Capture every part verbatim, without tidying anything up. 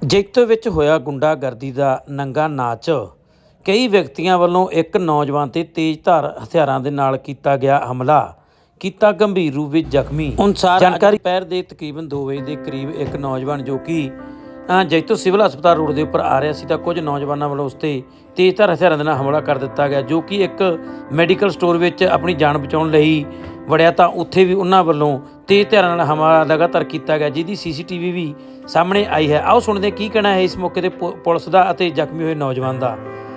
ਜੈਤੋ ਵਿੱਚ ਹੋਇਆ ਗੁੰਡਾਗਰਦੀ ਦਾ ਨੰਗਾ ਨਾਚ। ਕਈ ਵਿਅਕਤੀਆਂ ਵੱਲੋਂ ਇੱਕ ਨੌਜਵਾਨ ਤੇ ਤੇਜ਼ਧਾਰ ਹਥਿਆਰਾਂ ਦੇ ਨਾਲ ਕੀਤਾ ਗਿਆ ਹਮਲਾ ਕੀਤਾ ਗੰਭੀਰ ਰੂਪ ਵਿੱਚ ਜ਼ਖਮੀ। ਅਨੁਸਾਰ ਜਾਣਕਾਰੀ ਦੁਪਹਿਰ ਦੇ ਤਕਰੀਬਨ ਦੋ ਵਜੇ ਦੇ ਕਰੀਬ ਇੱਕ ਨੌਜਵਾਨ ਜੋ ਕਿ ਜੈਤੋ ਸਿਵਲ ਹਸਪਤਾਲ ਰੋਡ ਦੇ ਉੱਪਰ ਆ ਰਿਹਾ ਸੀ ਤਾਂ ਕੁਝ ਨੌਜਵਾਨਾਂ ਵੱਲੋਂ ਉਸ 'ਤੇ ਤੇਜ਼ਧਾਰ ਹਥਿਆਰਾਂ ਦੇ ਨਾਲ ਹਮਲਾ ਕਰ ਦਿੱਤਾ ਗਿਆ, ਜੋ ਕਿ ਇੱਕ ਮੈਡੀਕਲ ਸਟੋਰ ਵਿੱਚ ਆਪਣੀ ਜਾਨ ਬਚਾਉਣ ਲਈ ਵੜਿਆ ਤਾਂ ਉੱਥੇ ਵੀ ਉਹਨਾਂ ਵੱਲੋਂ ਤੇਜ਼ ਹਥਿਆਰਾਂ ਨਾਲ ਹਮਲਾ ਲਗਾਤਾਰ ਕੀਤਾ ਗਿਆ, ਜਿਹਦੀ ਸੀ ਸੀ ਟੀ ਵੀ ਵੀ ਸਾਹਮਣੇ ਆਈ ਹੈ। ਆਓ ਸੁਣਦੇ ਕੀ ਕਹਿਣਾ ਹੈ ਇਸ ਮੌਕੇ ਤੇ ਪੁਲਿਸ ਦਾ ਅਤੇ ਜ਼ਖਮੀ ਹੋਏ ਨੌਜਵਾਨ ਦਾ।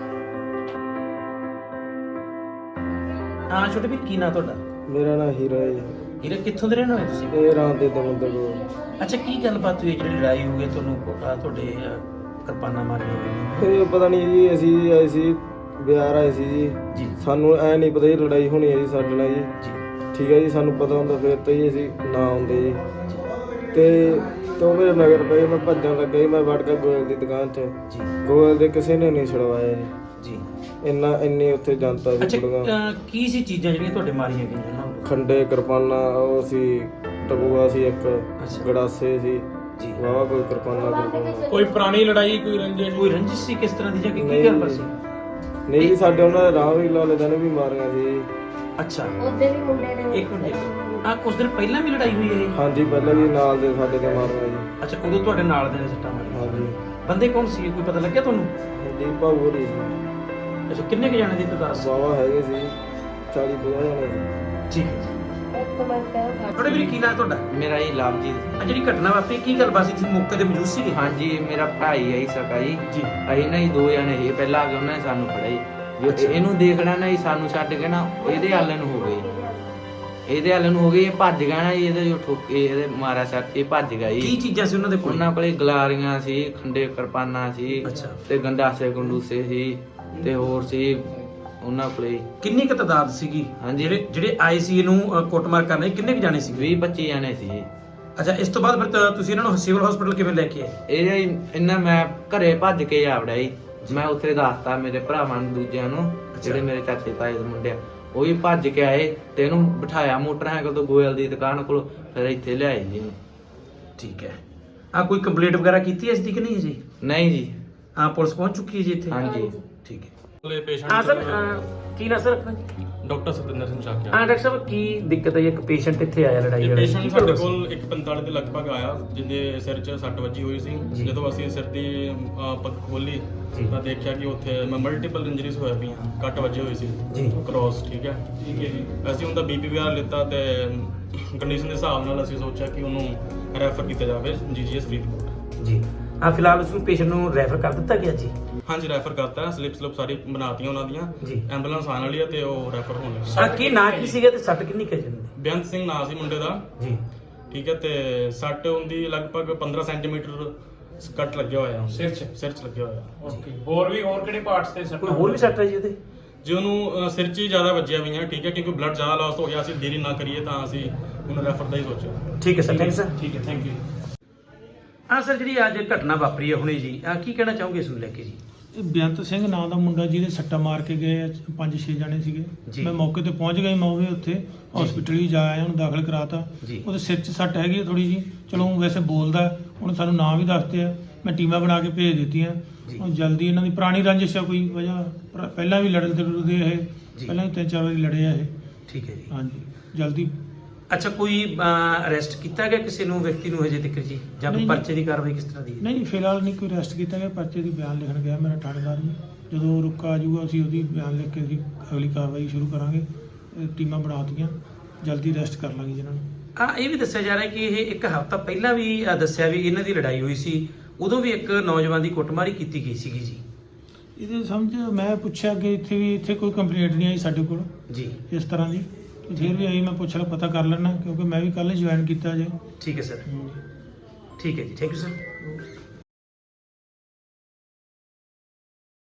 ਹਾਂ ਛੋਟੇ ਵੀਰ, ਕੀ ਨਾਂ ਤੁਹਾਡਾ? ਮੇਰਾ ਨਾਂ ਹੀਰਾ ਹੈ। ਹੀਰਾ, ਕਿੱਥੋਂ ਦੇ ਰਹਿਣ ਵਾਲੇ ਤੁਸੀਂ? ਇਹ ਰਾਤ ਦੇ ਦਮੰਦਰ ਕੋਲ। ਅੱਛਾ, ਕੀ ਗੱਲਬਾਤ ਹੋਈ ਜਿਹੜੀ ਲੜਾਈ ਹੋ ਗਈ ਤੁਹਾਨੂੰ ਤੁਹਾਡੇ ਕਿਰਪਾਨਾਂ ਮਾਰੀਆਂ ਹੋਈਆਂ? ਇਹ ਪਤਾ ਨਹੀਂ ਜੀ, ਅਸੀਂ ਆਏ ਸੀ ਬਿਹਾਰ ਆਏ ਸੀ ਜੀ ਜੀ। ਸਾਨੂੰ ਐ ਨਹੀਂ ਪਤਾ ਜੀ ਲੜਾਈ ਹੋਣੀ ਹੈ ਜੀ ਸਾਡੇ ਨਾਲ ਜੀ ਜੀ ਠੀਕ ਹੈ ਜੀ। ਸਾਨੂੰ ਪਤਾ ਹੁੰਦਾ ਫਿਰ ਤਾਂ ਜੀ ਅਸੀਂ ਨਾ ਆਉਂਦੇ ਜੀ। ਤੇ ਤੋਂ ਮੇਰੇ ਨਗਰ ਪਏ, ਮੈਂ ਭੱਜਣ ਲੱਗਾ ਜੀ। ਮੈਂ ਵੜ ਕੇ ਗੋਇਲ ਦੀ ਦੁਕਾਨ 'ਚ ਜੀ ਗੋਇਲ ਦੇ ਕਿਸੇ ਨੇ ਨਹੀਂ ਛੁਡਵਾਇਆ ਜੀ ਜੀ ਇੰਨਾ ਇੰਨੀ ਉੱਥੇ ਜਨਤਾ ਸੀ। ਅੱਛਾ, ਕੁੜੀਆਂ ਅਹ, ਕੀ ਸੀ ਚੀਜ਼ਾਂ ਜਿਹੜੀਆਂ ਤੁਹਾਡੇ ਮਾਰੀਆਂ ਗਈਆਂ ਉਹਨਾਂ ਨੂੰ? ਖੰਡੇ ਕਿਰਪਾਨਾਂ ਉਹ ਸੀ, ਟਬੂਆ ਸੀ, ਇੱਕ ਅੱਛਾ। ਗੜਾਸੇ ਸੀ ਜੀ। ਵਾਵਾ ਕੋਈ ਕਿਰਪਾਨਾਂ ਕਿਰਪਾਨਾਂ ਕੋਈ ਪੁਰਾਣੀ ਲੜਾਈ, ਕੋਈ ਰੰਜਿਸ਼ ਕੋਈ ਰੰਜਿਸ਼ ਸੀ ਕਿਸ ਤਰ੍ਹਾਂ ਦੀ ਜਾਂ ਕੀ ਨਹੀਂ ਗੱਲ ਬਸ? ਨਹੀਂ ਜੀ, ਸਾਡੇ ਉਹਨਾਂ ਦੇ ਰਾਹ ਵੀ ਲਾਲੇ ਦਿਨ ਵੀ ਮਾਰੀਆਂ ਸੀ। ਅੱਛਾ, ਉਹਦੇ ਵੀ ਮੁੰਡੇ ਨੇ ਇੱਕ ਮਿੰਟ, ਆ ਕੁਝ ਦਿਨ ਪਹਿਲਾਂ ਵੀ ਲੜਾਈ ਹੋਈ ਹੈ ਇਹ? ਹਾਂਜੀ ਪਹਿਲਾਂ ਵੀ ਨਾਲ ਦੇ ਸਾਡੇ ਤੇ ਮਾਰੀਆਂ ਜੀ। ਅੱਛਾ, ਉਦੋਂ ਤੁਹਾਡੇ ਨਾਲ ਦੇ ਨੇ ਸੱਟਾਂ ਮਾਰੀਆਂ? ਹਾਂਜੀ ਬੰਦੇ ਕੌਣ ਸੀ, ਕੋਈ ਪਤਾ ਲੱਗਿਆ ਤੁਹਾਨੂੰ? ਜੀ ਭਾਊ ਹੋਰੀ ਸੀ। ਅੱਛਾ, ਕਿੰਨੇ ਕੁ ਜਾਣੇ ਦੀ ਤਦਾਦ ਸੀ? ਵਾਵਾ ਹੈਗੇ ਸੀ, ਚਾਲੀ ਪੰਜਾਹ ਜਣੇ ਸੀ। ਠੀਕ ਹੈ ਜੀ। ਇੱਕ ਮਿੰਟ ਤੁਹਾਡੇ ਵੀਰ ਕੀ ਨਾਂ ਹੈ ਤੁਹਾਡਾ? ਮੇਰਾ ਜੀ ਲਵਜੀਤ। ਆ ਜਿਹੜੀ ਘਟਨਾ ਵਾਪਰੀ ਕੀ ਗੱਲ ਬਾਤ ਸੀ, ਤੁਸੀਂ ਮੌਕੇ ਤੇ ਮੌਜੂਦ ਸੀਗੇ? ਹਾਂਜੀ, ਮੇਰਾ ਭਾਈ ਹੈ ਜੀ ਸਕਾ ਜੀ। ਜੀ। ਅਸੀਂ ਨਾ ਜੀ ਦੋ ਜਣੇ ਸੀ, ਪਹਿਲਾਂ ਆ ਕੇ ਉਹਨਾਂ ਨੇ ਸਾਨੂੰ ਫੜਿਆ ਜੀ। ਜੋ ਅੱਛਾ। ਇਹਨੂੰ ਦੇਖਣਾ ਨਾ ਜੀ, ਸਾਨੂੰ ਛੱਡ ਕੇ ਨਾ ਇਹਦੇ ਹਾਲੇ ਨੂੰ ਹੋ ਗਈ, ਇਹਦੇ ਹਾਲੇ ਨੂੰ ਹੋ ਗਈ। ਇਹ ਭੱਜ ਗਿਆ ਨਾ ਜੀ, ਇਹਦੇ ਜੋ ਠੋਕੇ ਇਹਦੇ ਮਾਰਿਆ ਸੱਟ, ਇਹ ਭੱਜ ਗਿਆ ਕੀ ਜੀ। ਚੀਜ਼ਾਂ ਸੀ ਉਹਨਾਂ ਦੇ ਕੋਲ? ਉਹਨਾਂ ਕੋਲੇ ਗਲਾਰੀਆਂ ਸੀ, ਖੰਡੇ ਕਿਰਪਾਨਾਂ ਸੀ, ਅੱਛਾ। ਤੇ ਗੰਡਾਸੇ ਗੰਡੂਸੇ ਸੀ, ਤੇ ਹੋਰ ਸੀ ਉਹਨਾਂ ਕੋਲੇ। ਕਿੰਨੀ ਕੁ ਤਦਾਦ ਸੀਗੀ? ਹਾਂਜੀ। ਜਿਹੜੇ ਜਿਹੜੇ ਆਏ ਸੀ ਇਹਨੂੰ ਅ, ਕੁੱਟਮਾਰ ਕਰਨ ਲਈ ਕਿੰਨੇ ਕੁ ਜਾਣੇ ਸੀ? ਵੀਹ ਪੱਚੀ ਜਣੇ ਸੀ ਜੀ। ਅੱਛਾ, ਇਸ ਤੋਂ ਬਾਅਦ ਫਿਰ ਤਾਂ ਤੁਸੀਂ ਇਹਨਾਂ ਨੂੰ ਸਿਵਲ ਹਸਪੀਟਲ ਕਿਵੇਂ ਲੈ ਕੇ ਆਏ? ਇਹ ਇਹਨਾਂ ਮੈਂ ਘਰੇ ਭੱਜ ਕੇ ਆ ਵੜਿਆ ਜੀ। ਮੈਂ ਉੱਥੇ ਦੱਸਤਾ ਮੇਰੇ ਭਰਾਵਾਂ ਨੂੰ, ਦੂਜਿਆਂ ਨੂੰ, ਜਿਹੜੇ ਮੇਰੇ ਚਾਚੇ ਤਾਏ ਦੇ ਮੁੰਡੇ ਆ, ਉਹ ਵੀ ਭੱਜ ਕੇ ਆਏ ਤੇ ਇਹਨੂੰ ਬਿਠਾਇਆ ਮੋਟਰਸਾਈਕਲ ਤੋਂ ਗੋਇਲ ਦੀ ਦੁਕਾਨ ਕੋਲ, ਫਿਰ ਇੱਥੇ ਲਿਆਏ ਜੀ। ਠੀਕ ਹੈ। ਆ ਕੋਈ ਕੰਪਲੇਂਟ ਵਗੈਰਾ ਕੀਤੀ ਇਸ ਦੀ ਕਿ ਨਹੀਂ ਜੀ? ਨਹੀਂ ਜੀ। ਹਾਂ, ਪੁਲਿਸ ਪਹੁੰਚ ਚੁੱਕੀ ਹੈ ਜੀ ਇੱਥੇ? ਹਾਂਜੀ। ਠੀਕ ਹੈ। ਪੇਸ਼ੈਂਟ ਹਾਂ ਸਰ, ਕੀ ਨਾ ਸਰ ਆਪਣਾ ਜੀ? ਡਾਕਟਰ ਸਤਿੰਦਰ ਸਿੰਘ ਚਾਕਿਆ। ਹਾਂ ਡਾਕਟਰ ਸਾਹਿਬ, ਕੀ ਦਿੱਕਤ ਹੈ? ਇੱਕ ਪੇਸ਼ੈਂਟ ਇੱਥੇ ਆਇਆ ਲੜਾਈ ਇਹ ਵਾਲਾ, ਪੇਸ਼ੈਂਟ ਕੀ ਸਾਡੇ ਗੱਲ ਸੀ? ਕੋਲ ਇੱਕ ਪੰਤਾਲੀ ਦੇ ਲਗਭਗ ਆਇਆ, ਜਿਹਦੇ ਸਿਰ 'ਚ ਸੱਟ ਵੱਜੀ ਹੋਈ ਸੀ। ਜੀ। ਜਦੋਂ ਅਸੀਂ ਸਿਰ ਦੀ ਅਹ, ਪੱਗ ਖੋਲੀ ਜੀ। ਤਾਂ ਦੇਖਿਆ ਕਿ ਉੱਥੇ ਮਲਟੀਪਲ ਇੰਜਰੀਜ਼ ਹੋਏ ਪਈਆਂ, ਕੱਟ ਵੱਜੇ ਹੋਏ ਸੀ ਜੀ। ਕ੍ਰੋਸ। ਠੀਕ ਹੈ ਠੀਕ ਹੈ ਜੀ। ਅਸੀਂ ਉਹਦਾ ਬੀਪੀ ਵਗੈਰਾ ਲਿੱਤਾ ਤੇ ਕੰਡੀਸ਼ਨ ਦੇ ਹਿਸਾਬ ਨਾਲ ਅਸੀਂ ਸੋਚਿਆ ਕਿ ਉਹਨੂੰ ਰੈਫਰ ਕੀਤਾ ਜਾਵੇ ਜੀ ਜੀ ਐਸ ਫਰੀਦਕੋਟ। ਜੀ। ਹਾਂ, ਫਿਲਹਾਲ ਉਸ ਨੂੰ ਪੇਸ਼ੈਂਟ ਨੂੰ ਰੈਫਰ ਕਰ ਦਿੱਤਾ ਗਿਆ ਜੀ? ਹਾਂਜੀ, ਰੈਫਰ ਕਰਤਾ। ਸਲਿਪ ਸਲਿਪ ਸਾਰੀ ਬਣਾਤੀਆਂ ਉਹਨਾਂ ਦੀਆਂ। ਜੀ। ਐਂਬੂਲੈਂਸ ਆਉਣ ਵਾਲੀ ਹੈ ਤੇ ਉਹ ਰੈਫਰ ਹੋਣ ਲੱਗੀ। ਆ ਕੀ ਨਾਂ ਕੀ ਸੀਗਾ ਤੇ ਸੱਟ ਕਿੰਨੀ ਕੁ ਜਾਂਦੀ? ਬੇਅੰਤ ਸਿੰਘ ਨਾਂ ਸੀ ਮੁੰਡੇ ਦਾ। ਜੀ। ਠੀਕ ਹੈ, ਤੇ ਸੱਟ ਹੁੰਦੀ ਲਗਭਗ ਪੰਦਰਾਂ ਸੈਂਟੀਮੀਟਰ ਕੱਟ ਲੱਗਿਆ ਹੋਇਆ ਸਿਰ 'ਚ ਸਿਰ 'ਚ ਲੱਗਿਆ ਹੋਇਆ। ਓਕੇ। ਹੋਰ ਵੀ ਹੋਰ ਕਿਹੜੇ ਪਾਰਟਸ ਤੇ ਕੋਈ ਹੋਰ ਵੀ ਸੱਟ ਹੈ ਜੀ ਉਹਦੇ? ਜੇ ਉਹਨੂੰ ਅ, ਸਿਰ 'ਚ ਹੀ ਜ਼ਿਆਦਾ ਵੱਜਿਆ ਹੋਈਆਂ। ਠੀਕ ਹੈ, ਕਿਉਂਕਿ ਬਲੱਡ ਜ਼ਿਆਦਾ ਲਾਸ ਹੋ ਗਿਆ, ਅਸੀਂ ਦੇਰੀ ਨਾ ਕਰੀਏ ਤਾਂ ਅਸੀਂ ਉਹਨੂੰ ਰੈਫਰ ਦਾ ਹੀ ਸੋਚਿਆ। ਠੀਕ ਹੈ ਸਰ, ਥੈਂਕ ਸਰ। ਠੀਕ ਹੈ, ਥੈਂਕ ਯੂ। ਹਾਂ ਸਰ, ਜਿਹੜੀ ਅੱਜ ਘਟਨਾ ਵਾਪਰੀ ਹੈ ਹੁਣੇ ਜੀ, ਆ ਕੀ ਕਹਿਣਾ ਚਾਹੋਗੇ ਇਸ ਨੂੰ ਲੈ ਕੇ ਜੀ? ਇਹ ਬੇਅੰਤ ਸਿੰਘ ਨਾਂ ਦਾ ਮੁੰਡਾ ਜਿਹਦੇ ਸੱਟਾ ਮਾਰ ਕੇ ਗਏ ਆ, ਪੰਜ ਛੇ ਜਣੇ ਜੀ। ਸੀਗੇ। ਮੈਂ ਮੌਕੇ ਤੇ ਪਹੁੰਚ ਗਿਆ, ਮੈਂ ਉਹ ਵੀ ਉੱਥੇ ਹਸਪੀਟਲ ਹੀ ਜਾ ਆਇਆ, ਉਹਨੂੰ ਦਾਖਲ ਕਰਾਤਾ। ਜੀ। ਉਹਦੇ ਸਿਰ 'ਚ ਸੱਟ ਹੈਗੀ ਥੋੜੀ ਜੀ। ਚਲੋ ਉਹ ਵੈਸੇ ਬੋਲਦਾ, ਉਹਨੇ ਸਾਨੂੰ ਨਾਂ ਵੀ ਦੱਸਦੇ ਆ, ਮੈਂ ਟੀਮਾਂ ਬਣਾ ਕੇ ਭੇਜ ਦਿੱਤੀਆਂ। ਜੀ। ਹੁਣ ਜਲਦੀ ਇਹਨਾਂ ਦੀ ਪੁਰਾਣੀ ਰੰਜਿਸ਼ ਆ ਕੋਈ ਵਜ੍ਹਾ, ਪਰ ਪਹਿਲਾਂ ਵੀ ਲੜਨ ਤੇ ਲੜਦੇ ਇਹ, ਜੀ। ਪਹਿਲਾਂ ਵੀ ਤਿੰਨ ਚਾਰ ਵਾਰੀ ਲੜੇ ਆ ਇਹ। ਠੀਕ ਹੈ ਜੀ। ਹਾਂਜੀ, ਜਲਦੀ। ਅੱਛਾ, ਕੋਈ ਅਰੈਸਟ ਕੀਤਾ ਗਿਆ ਕਿਸੇ ਨੂੰ, ਵਿਅਕਤੀ ਨੂੰ ਹਜੇ ਤੱਕ ਜੀ, ਜਾਂ ਕੋਈ ਨਹੀਂ। ਪਰਚੇ ਦੀ ਕਾਰਵਾਈ ਕਿਸ ਤਰ੍ਹਾਂ ਦੀ ਹੈ? ਨਹੀਂ, ਫਿਲਹਾਲ ਨਹੀਂ ਕੋਈ ਅਰੈਸਟ ਕੀਤਾ ਗਿਆ। ਪਰਚੇ ਦੀ ਬਿਆਨ ਲਿਖਣ ਗਿਆ ਮੇਰਾ ਥਾਣੇਦਾਰ ਜੀ। ਜਦੋਂ ਰੁਕਾ ਆ ਜਾਊਗਾ ਅਸੀਂ ਉਹਦੀ ਬਿਆਨ ਲਿਖ ਕੇ ਅਸੀਂ ਅਗਲੀ ਕਾਰਵਾਈ ਸ਼ੁਰੂ ਕਰਾਂਗੇ। ਇਹ ਟੀਮਾਂ ਬਣਾਤੀਆਂ, ਜਲਦੀ ਅਰੈਸਟ ਕਰ ਲਾਂਗੇ ਜਿਹਨਾਂ ਨੂੰ। ਆ ਇਹ ਵੀ ਦੱਸਿਆ ਜਾ ਰਿਹਾ ਕਿ ਇਹ ਇੱਕ ਹਫ਼ਤਾ ਪਹਿਲਾਂ ਵੀ ਅ, ਦੱਸਿਆ ਵੀ ਇਹਨਾਂ ਦੀ ਲੜਾਈ ਹੋਈ ਸੀ, ਉਦੋਂ ਵੀ ਇੱਕ ਨੌਜਵਾਨ ਦੀ ਕੁੱਟਮਾਰੀ ਕੀਤੀ ਗਈ ਸੀਗੀ ਜੀ। ਇਹਦੇ ਸਮਝ ਮੈਂ ਪੁੱਛਿਆ ਕਿ ਇੱਥੇ ਵੀ ਇੱਥੇ ਕੋਈ ਕੰਪਲੇਂਟ ਨਹੀਂ ਆਈ ਸਾਡੇ ਕੋਲ ਜੀ। ਇਸ ਤਰ੍ਹਾਂ ਦੀ। ਤੇ ਫਿਰ ਵੀ ਆਈ, ਮੈਂ ਪੁੱਛ ਲਾ ਪਤਾ ਕਰ ਲੈਣਾ, ਕਿਉਂਕਿ ਮੈਂ ਵੀ ਕੱਲ੍ਹ ਜੁਆਇਨ ਕੀਤਾ ਜੇ। ਠੀਕ ਹੈ ਸਰ। ਠੀਕ ਹੈ ਜੀ, ਥੈਂਕ ਯੂ ਸਰ।